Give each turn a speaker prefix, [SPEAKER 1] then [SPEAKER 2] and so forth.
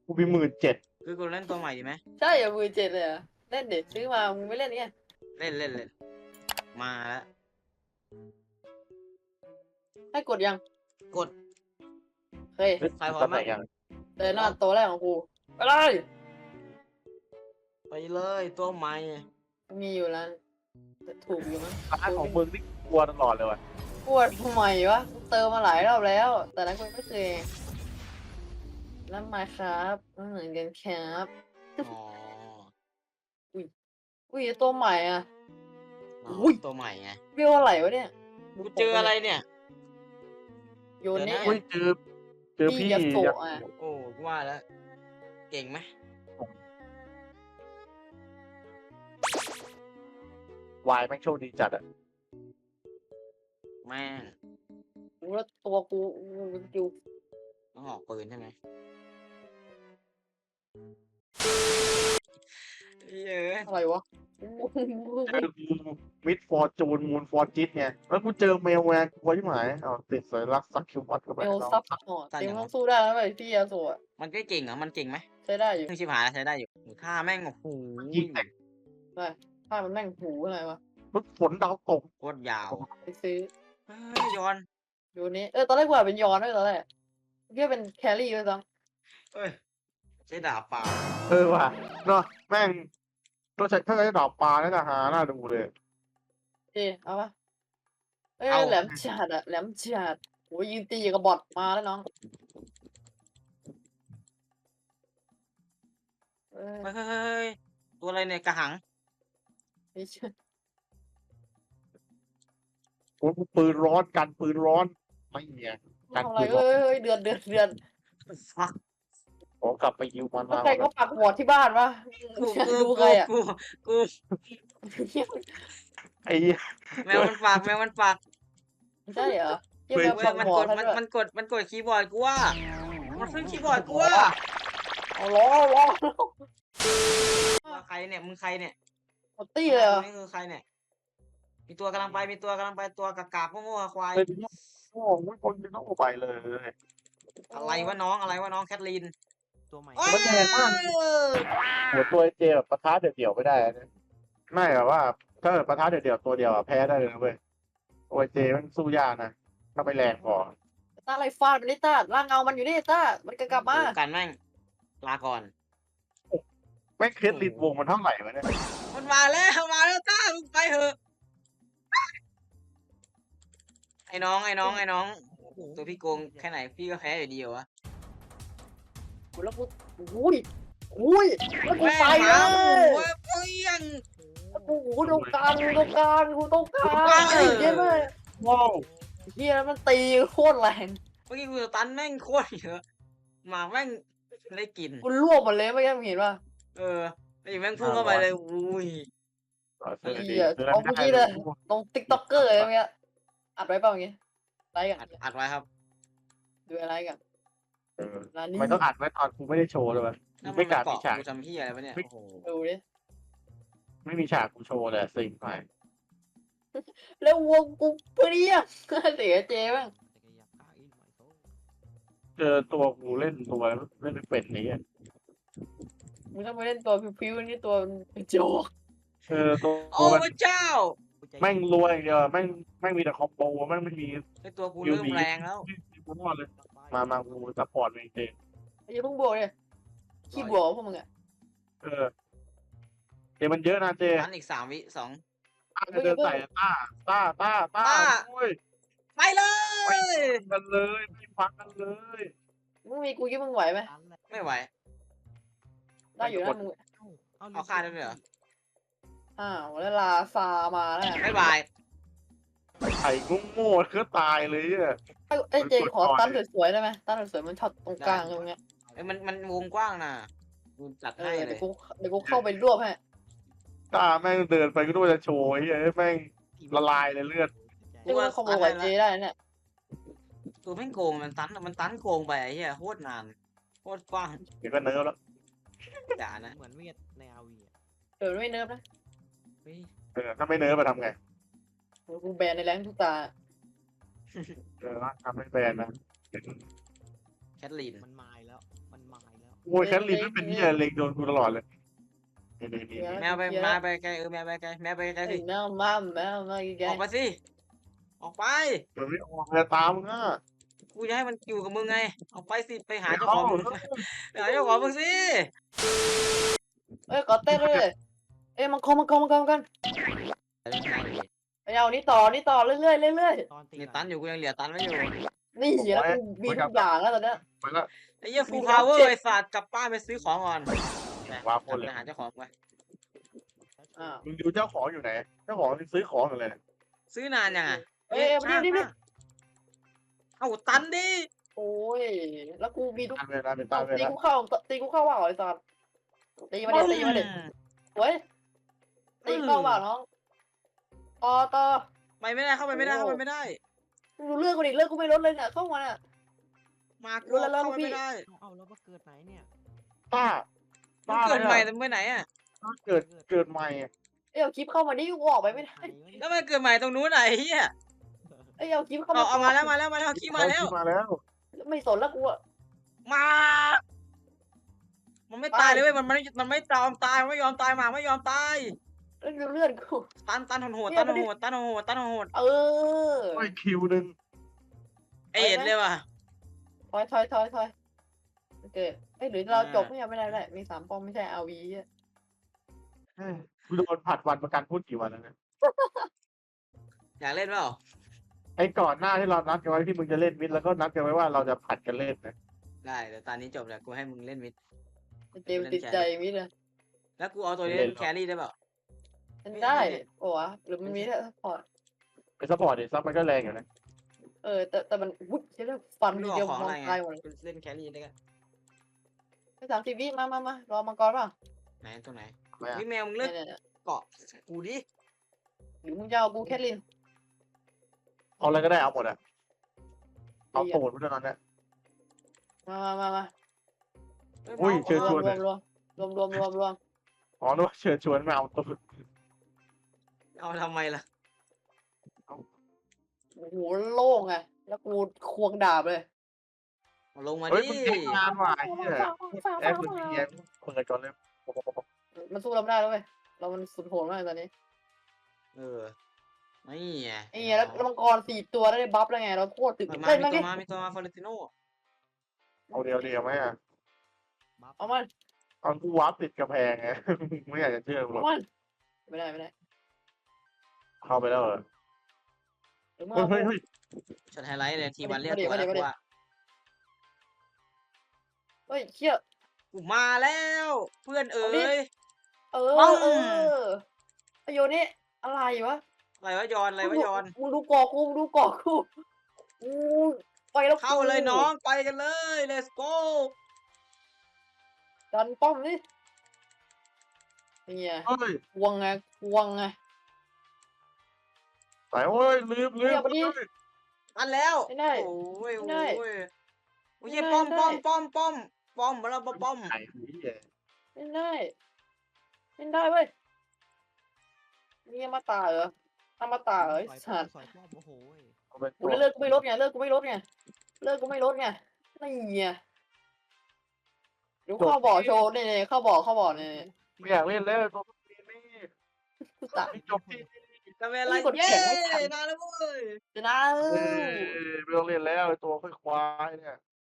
[SPEAKER 1] กูมี17,000
[SPEAKER 2] คือกูเล่นตัวใหม่ดีไหม
[SPEAKER 3] ใช่อย่า17,000เลยเหรอเล่นเด็ดซื้อมามึงไม่เล่นเนี่ย
[SPEAKER 2] เล่นมาแล้ว
[SPEAKER 3] ให้กดยัง
[SPEAKER 2] กด
[SPEAKER 3] เฮ้ย
[SPEAKER 2] ใครพร้อม
[SPEAKER 1] ไหน
[SPEAKER 2] บ้าง
[SPEAKER 1] ยัง
[SPEAKER 3] เดินหน้าตัวแรกของกูไปเลย
[SPEAKER 2] ไปเลยตัวใหม่
[SPEAKER 3] มีอยู่แล้วแต่ถูกอยู่มั้ง
[SPEAKER 1] ร้านของมึงนี่กลัวตลอดเลยว่ะ
[SPEAKER 3] ปวดทำไมวะกูเติมมาหลายรอบแล้ว แต่นั้นกูไม่เคยนั่นมาครับนั่นเหมือนกันครับ
[SPEAKER 2] อ๋อ
[SPEAKER 3] อุ้ยตัวใหม่อ่ะ
[SPEAKER 2] อ๋อ
[SPEAKER 3] อุ้ย
[SPEAKER 2] ตัวใหม่ไง
[SPEAKER 3] เรียกว่าอะไรวะเนี่ย
[SPEAKER 2] กูเจออะไรเนี่ย
[SPEAKER 3] โยนเนี่ย
[SPEAKER 1] อุ้ยเจอพี่
[SPEAKER 3] ยาโสะอ่ะ
[SPEAKER 2] โอ้กูว่าแล้วเก่งไหม
[SPEAKER 1] วายแม่งโชคดีจัดอ่ะ
[SPEAKER 2] แม่ง
[SPEAKER 3] กูแล้วตัวกูอยู่
[SPEAKER 2] ต้องออกปืนใช่ไหมเยอะ
[SPEAKER 3] อะไรวะ
[SPEAKER 1] เจอมิดฟอร์จูนมูนฟอร์จิตไงแล้วกูเจอเมลแวร์กูไว้ที่หมายเอาติดสัญลักษณ์ซักคิวบอทเข้าไป
[SPEAKER 3] เอลซับพอร์ตเต็มต้องสู้ได้แล้วเลยพี่ยาโสะ
[SPEAKER 2] มันก็เก่งเหรอมันเก่งไหม
[SPEAKER 3] ใช้ได้อยู่
[SPEAKER 2] ชิบหายแล้วใช้ได้อยู่ฆ่าแม่งโอ้โห
[SPEAKER 1] ยิงแต่ง
[SPEAKER 3] ถ้ามันแม่งหูอะไรวะ
[SPEAKER 1] รถฝนดาวตก
[SPEAKER 2] โคตรยาว
[SPEAKER 3] ไปซื้อ
[SPEAKER 2] เฮ้ยย้อน
[SPEAKER 3] โยนนี้ตอนแรกว่าเป็นยอนด้วยตอนแรกเรียกเป็นแครี่ด้วยซ้
[SPEAKER 2] เอ้ยใช้ดาบเปล่า
[SPEAKER 1] ว่ะเนาะแม่งต้องใช้ถ้าใช้ดอกปลาแล้วนะฮะน่าดูเลย
[SPEAKER 3] ำเอาปะแหลมจัดอะแหลมจัดโอ้ยยืนตีกับบอทมาแล้วน้อง
[SPEAKER 2] เฮ้ยตัวอะไรเนี่ยกระหัง
[SPEAKER 3] ไม่ใช่
[SPEAKER 1] โอ้ยปืนร้อนกันปืนร้อนไม่เนี่ยกัน
[SPEAKER 3] ทำอะไร
[SPEAKER 1] ปืนร้อน
[SPEAKER 3] เดือน
[SPEAKER 2] ฟัก
[SPEAKER 1] ขอกลับไปยิวมัน
[SPEAKER 3] แล้ว
[SPEAKER 1] มา
[SPEAKER 3] ใครก็ปักหมดที่บ้านวะ ดูใครอะ
[SPEAKER 2] กู
[SPEAKER 1] ไอ้เหี้ย
[SPEAKER 2] แมวมันฝากแมวมันฝาก
[SPEAKER 3] ใช่เหรอเยี่ยม
[SPEAKER 2] เว้
[SPEAKER 3] ปั
[SPEAKER 2] ย
[SPEAKER 3] ก
[SPEAKER 2] มัน
[SPEAKER 3] หม
[SPEAKER 2] ก
[SPEAKER 3] ด
[SPEAKER 2] ด
[SPEAKER 3] แล้วด้วย
[SPEAKER 2] มันกดคีย์บอร์ดกูว่ามันขึ้นคีย์บอร์ดกูว่า
[SPEAKER 3] เอาล้อล้อ
[SPEAKER 2] ว่าใครเนี่ยมึงใครเนี่ย
[SPEAKER 3] หมดตี้เลยเหรอ
[SPEAKER 2] นี่คือใครเนี่ยมีตัวกำลังไปตัวกากๆโง่ๆควาย
[SPEAKER 1] เป็นโอ้โหคนเป็นต้องไปเลย
[SPEAKER 2] อะไรวะน้องแคทลีน
[SPEAKER 4] ตัวใหม่
[SPEAKER 1] มันแรงมาก หัวตัวเจแบบปะทะเดี่ยวๆไม่ได้นะไม่แบบว่าถ้าเกิดปะทะเดี่ยวๆตัวเดียวอะแพ้ได้เลยนะเว้ยโอเจมันสู้ยากนะถ้าไปแรงพอ
[SPEAKER 3] ต้าอะไรฟาดมันนี่ต้าร่างเงามันอยู่นี่ต้ามันกลับมา
[SPEAKER 2] กันแม่งลาก่อน
[SPEAKER 1] แม่งเคสลินวงมันเท่าไหร่วะเนี่ย
[SPEAKER 2] มันมาแล้วต้ามึงไปเถอะไอ้น้องตัวพี่โกงแค่ไหนพี่ก็แพ้อยู่ดีเหรอวะ
[SPEAKER 3] แล้วกูอุ้ยแล้วกู
[SPEAKER 2] แม่ง
[SPEAKER 3] ไป
[SPEAKER 2] ห
[SPEAKER 3] เล
[SPEAKER 2] มาหมู
[SPEAKER 3] ย
[SPEAKER 2] เว้ยเปี้ยง
[SPEAKER 3] กูตรงกลางกูตรงกลางเยี่ยมเลย
[SPEAKER 1] ว้าว
[SPEAKER 3] เฮียมันตีโคตรแรง
[SPEAKER 2] เมื่อกี้กูสตันแม่งโคตรเยอะหมาแม่งได้กิน
[SPEAKER 3] กูรวบหมดเลยเมื่อกี้มึงเห็นป่ะ
[SPEAKER 2] เออไอ้แม่งพุ่งเข้าไปเลยอุ้ย
[SPEAKER 3] เหี้ยเอาเมื่อกี้เลย ตรงติ๊กต็อกเกอร์เลยเมื่อกี้อัดไว้เปล่าเมื่อกี้ไลค์กัน
[SPEAKER 2] อัดไว้ครับ
[SPEAKER 3] ดูอะไรกันร้านนี้
[SPEAKER 1] มันต้องอัดไว้ตอนกูไม่ได้โชว์เลยวะ
[SPEAKER 2] แล้วมัน
[SPEAKER 1] ไม่กล้า
[SPEAKER 2] เกาะ
[SPEAKER 1] มีฉาก
[SPEAKER 2] กูทำพี่อะไรวะเนี่ยโอ้โห
[SPEAKER 3] ดูดิ
[SPEAKER 1] ไม่มีฉากกูโชว์เลยสิ่งไป
[SPEAKER 3] แล้ววงกูเปรี้ยเสียเจ๊บ้าง
[SPEAKER 1] เจอตัวกูเล่นตัวเล่นเป็ดนี้อะ
[SPEAKER 3] มึงต้องไปเล่นตัวพิวๆนี่ตัวโจก
[SPEAKER 1] ตัว
[SPEAKER 2] โอ้
[SPEAKER 1] มัน
[SPEAKER 2] พระเจ้า
[SPEAKER 1] แม่งรวยอย่างเดียวแม่งมีแต่คอมโบแม่งไม่มี
[SPEAKER 2] ไอตัวกูเริ่มแรงแล้ว
[SPEAKER 1] กูรอดเลยมากูซัพพอร์ตเองเจ
[SPEAKER 3] ไอ้เพิ่งบวกเลยขี้บวกพวกมึงอ่ะ
[SPEAKER 1] เจมันเยอะนะเจ
[SPEAKER 2] อันอีก3 วิ2
[SPEAKER 1] เดินใส่ต้าโอ้ย
[SPEAKER 2] ไปเลย
[SPEAKER 1] กันเลยไม่ฟังกันเลย
[SPEAKER 3] มึงมีกูคิดมึงไหวไหม
[SPEAKER 2] ไม่ไหว
[SPEAKER 3] ได้อยู่นะมึง
[SPEAKER 2] เอาฆ่าได้ไหมเหรอ
[SPEAKER 3] แล้วลาซามาแล้ว
[SPEAKER 2] บ๊ายบาย
[SPEAKER 1] ไข่โง่ๆก็ตายเลยอ่ะ
[SPEAKER 3] ไอ้เจขอตั้นสวยๆได้ไหมตั้นสวยๆมันช็อตตรงกลางตรงเนี้ย
[SPEAKER 2] เอ้ยมันวงกว้างนะกูจัดให้เล
[SPEAKER 3] เดี๋ย
[SPEAKER 2] ยว
[SPEAKER 3] กูเข้าไปรวบให้
[SPEAKER 1] ต้าแม่งเดินไปก็ด้วยจะโชว์ไอ้เฮ้ยแม่งละลายเลยเลือด
[SPEAKER 3] นี่มึงขโมยเจได้เนี่ย
[SPEAKER 2] ตัวแม่งโกงมันตันโกงไปไอ้เหี้ยโคตรนานโคตรกว้าง
[SPEAKER 1] เดี๋ยวก็เนิร์ฟแล้ว
[SPEAKER 2] จ๋านะ
[SPEAKER 4] เหมือนเวทในอาวี
[SPEAKER 3] ไม่เนิร์ฟนะ
[SPEAKER 2] เฮ้ย
[SPEAKER 1] ถ้าไม่เนิร์ฟมาทำไง
[SPEAKER 3] กูแบนในแรงทุกตา
[SPEAKER 1] ทำให้แบนนะ
[SPEAKER 2] แคทลีน
[SPEAKER 4] มันมายแล้ว
[SPEAKER 1] โอ้ยแคทลินไม่เป็นที่อะไรเล็งโดนกูตลอดเลยนี่
[SPEAKER 2] แมวไปมาไปไกลแมวไปไกลแมวไปไกลสิ
[SPEAKER 3] แมวมาแก
[SPEAKER 2] ออกไปสิออกไป
[SPEAKER 1] มันไม่ออกเลยตามมึงอ่ะ
[SPEAKER 2] กูจะให้มันอยู่กับมึงไงออกไปสิไปหา
[SPEAKER 1] ไม่
[SPEAKER 2] เจ้า
[SPEAKER 1] เข้า
[SPEAKER 2] ของมึงไปหาเจ้าของมึงสิ
[SPEAKER 3] เอ้ยขอเต้นเลยเอ้ยมังกรไปเอานี่ต่อเรื่อย
[SPEAKER 4] ตอนตี
[SPEAKER 2] เนี่ยตันอยู่กูยังเหลือตันไว้อยู่
[SPEAKER 3] นี่แล้วกูมีทุกอย่างแล้วตอนเนี้ย
[SPEAKER 1] ไปละ
[SPEAKER 2] ไอ้เหี้ยฟูลพาวเวอร์ไอ้สัตว์กลับบ้านไปซื้อของก่อนไป
[SPEAKER 1] ว้าวคนเลย
[SPEAKER 2] ไปหาเจ้าของไป
[SPEAKER 3] อ่า
[SPEAKER 1] มึงดูเจ้าของอยู่ไหนเจ้าของซื้อของอยู่เลย
[SPEAKER 2] ซื้อนานยังอ่ะ
[SPEAKER 3] เอ้ยนี่
[SPEAKER 2] เอ้าตันดิ
[SPEAKER 3] โอ้ยแล้วกูมีทุก
[SPEAKER 1] ตามเวลาเป็นตามเว
[SPEAKER 3] ตี
[SPEAKER 1] ลา
[SPEAKER 3] กูเข้าว่าไอ้สัตว์ตีมาเด็ดเว้ยตีเข้าว่าน้องต่อ
[SPEAKER 2] ไปไม่ได้เข้าไปไม่ได้เข้าไปไม่ได้
[SPEAKER 3] ดูเลือกกูดิเลือกกูไม่ลดเลยเนี่ยเข้ามาเนี่ย
[SPEAKER 2] มากู
[SPEAKER 3] รู้แล้ว
[SPEAKER 2] เข้าไป
[SPEAKER 3] พี่
[SPEAKER 2] ไม่ได้
[SPEAKER 4] เอาแล้วว่าเกิดไหนเนี่ย
[SPEAKER 1] ป้า
[SPEAKER 2] มันเกิดใหม่แต่ไปไหนอ่ะ
[SPEAKER 1] เกิดใหม่
[SPEAKER 3] เอ้ยเอาคลิปเข้ามาดิกูออกไปไม่ได้
[SPEAKER 2] แล้วมันเกิดใหม่ตรงนู้นไหนเฮีย
[SPEAKER 3] เอ้ยเอาคลิปเข้า
[SPEAKER 2] เอา
[SPEAKER 3] มา
[SPEAKER 2] เอามาแล้วขี้มาแล้ว
[SPEAKER 1] มาแล้ว
[SPEAKER 3] ไม่สนแล้วกูอะ
[SPEAKER 2] มา มันไม่ตายเลยเว้ยมันไม่ยอมตายมันไม่ยอมตายหมาไม่ยอมตาย
[SPEAKER 3] เลื่อนกู
[SPEAKER 2] ตันโหด
[SPEAKER 3] เออ
[SPEAKER 1] ไม่คิวหนึ่ง
[SPEAKER 2] เอ็ดเลยว่ะ
[SPEAKER 3] ถอยโอเคเอ้ยหรือเราจบไม่ได้มี3 ป้อมไม่ใช่อาวีอ่ะ
[SPEAKER 1] กูโดนผัดวันประกันพูดกี่วันแล้วเนี่ย
[SPEAKER 2] อยากเล่นเปล่า
[SPEAKER 1] ไอ้ก่อนหน้าที่เรานัดกันไว้ที่มึงจะเล่นมิดแล้วก็นัดกันไว้ว่าเราจะผัดกันเล่นนะ
[SPEAKER 2] ได้เดี๋ยวตอนนี้จบแล้วกูให้มึงเล่นมิด
[SPEAKER 3] เจมติดใจมิดเลย
[SPEAKER 2] แล้วกูเอาตัวนี้เล่นแครี่ได้เปล่า
[SPEAKER 3] มันได้โอ้วะหรือมันมีแค่ซัพพอร์ต
[SPEAKER 1] ไปซัพพอร์ตดิซัพมันก็แรงอยู่นะ
[SPEAKER 3] แต่มันวุ้ยใช่ไหมฟัน
[SPEAKER 2] ไม่
[SPEAKER 3] ที
[SPEAKER 2] รู้
[SPEAKER 3] เดียว
[SPEAKER 2] เอาของ
[SPEAKER 3] มอ
[SPEAKER 2] อะ
[SPEAKER 3] ง
[SPEAKER 2] ไรไง
[SPEAKER 3] ตายหมดเลย
[SPEAKER 2] กูเล่นแครี่ได้กัน
[SPEAKER 3] ไป30 วิมารอมังกรเปล่า
[SPEAKER 2] ไหนตัวไหน
[SPEAKER 1] ไม่อะ
[SPEAKER 2] นี่แมวมึงเลือก
[SPEAKER 3] เนี่ย
[SPEAKER 2] เกาะกูดิ
[SPEAKER 3] หรือมึงจะเอากูแคทลิน
[SPEAKER 1] เอาอะไรก็ได้เอาหมดอะเอาโตดไปเท่านั้นแหละ
[SPEAKER 3] มา
[SPEAKER 1] อุ้ยเชิญชวน
[SPEAKER 3] รวม
[SPEAKER 1] อ๋อนึกว่าเชิญชวนมาเอาตัว
[SPEAKER 2] เอาทำไมล่ะ
[SPEAKER 3] โอ้โหโล่งไงแล้วกูควงดาบเลย
[SPEAKER 2] เอาลงมา
[SPEAKER 1] เฮ้ย
[SPEAKER 2] ดิ
[SPEAKER 1] มึงเทคงานว่ะไอ้เหี้ยแอปมึงเงียบเปิดก่อนเลย
[SPEAKER 3] มันสู้เราไม่ได้แล้วเว้ยเรามันสุดโหดมากตอนนี้
[SPEAKER 2] เออไม่ไง
[SPEAKER 3] ไอ้เหี้ยแล้วมังกร4 ตัวได้บัฟแล้วไงเราโคตรตึก
[SPEAKER 2] มา
[SPEAKER 3] เล่น
[SPEAKER 2] มี
[SPEAKER 3] บ้าง
[SPEAKER 2] ตั
[SPEAKER 3] ดิ
[SPEAKER 2] วมาฟอเรนติโน
[SPEAKER 1] เอาเดียวไหมอะ
[SPEAKER 4] บัฟ
[SPEAKER 3] เอามัน
[SPEAKER 1] ตอนกูวาร์ปติดกระแพงไง ไม่อยากจะเชื่อมึงหร
[SPEAKER 3] เอา
[SPEAKER 1] อก
[SPEAKER 3] มันไม่ได้
[SPEAKER 1] เข้าไปแล้วเหรอ
[SPEAKER 3] หรือมึง
[SPEAKER 1] เฮ้ย
[SPEAKER 2] ช็อตไฮไลท์เลยทีวันเรียก
[SPEAKER 3] มาดิ
[SPEAKER 2] ตัวแล้ว
[SPEAKER 3] มาดิ
[SPEAKER 2] กูว่า
[SPEAKER 3] เฮ้ยเชี่ย
[SPEAKER 2] กูมาแล้ว เพื่อนเอ๋
[SPEAKER 3] เอาดิ
[SPEAKER 2] ย
[SPEAKER 3] ไอโยนี่อะไรวะ
[SPEAKER 2] อะไรวะยอนอะไรวะยอน
[SPEAKER 3] มึงดูกอกกูกูไปแล้ว
[SPEAKER 2] เข้าเลยน้องไปกันเลย let's go
[SPEAKER 3] ดันป้อมนี่เนี่ย
[SPEAKER 1] เฮ้ย
[SPEAKER 3] ควงไง
[SPEAKER 1] สายโอ้ยลืม
[SPEAKER 2] อันแล้ว
[SPEAKER 3] ไม่ได้
[SPEAKER 2] โอ้ย
[SPEAKER 3] ไม่ได้
[SPEAKER 2] โอ้ยโอ้ย
[SPEAKER 3] ไม่ได้
[SPEAKER 2] ป้อม
[SPEAKER 3] ไม่ได้
[SPEAKER 2] มาแล้วป้อม
[SPEAKER 1] ไข่ผีเหี้ย
[SPEAKER 3] เล่นได้เว้ยนี่อมาตาเหรอไอ้
[SPEAKER 4] สอย
[SPEAKER 3] สัตว์
[SPEAKER 4] สอยป้อมโอ้โหย
[SPEAKER 1] เอาไป
[SPEAKER 3] กูเลิกกูไม่ลดไงนี่ไงเดี๋ยวเข้าบ่อโชว์นี่เข้าบ่อนี่
[SPEAKER 1] ไม่อยากเล่นแล้วตัวนี้นี่
[SPEAKER 3] ตาย
[SPEAKER 1] จบที่
[SPEAKER 2] ๆจะเป็นอะไร
[SPEAKER 3] กด
[SPEAKER 2] เย้
[SPEAKER 3] แข่งไม่ทัน
[SPEAKER 2] นานแล้วเว้ย
[SPEAKER 3] จะนะ
[SPEAKER 1] ไม่ต้องเล่นแล้วไอ้ตัวค่อยควายเนี่ย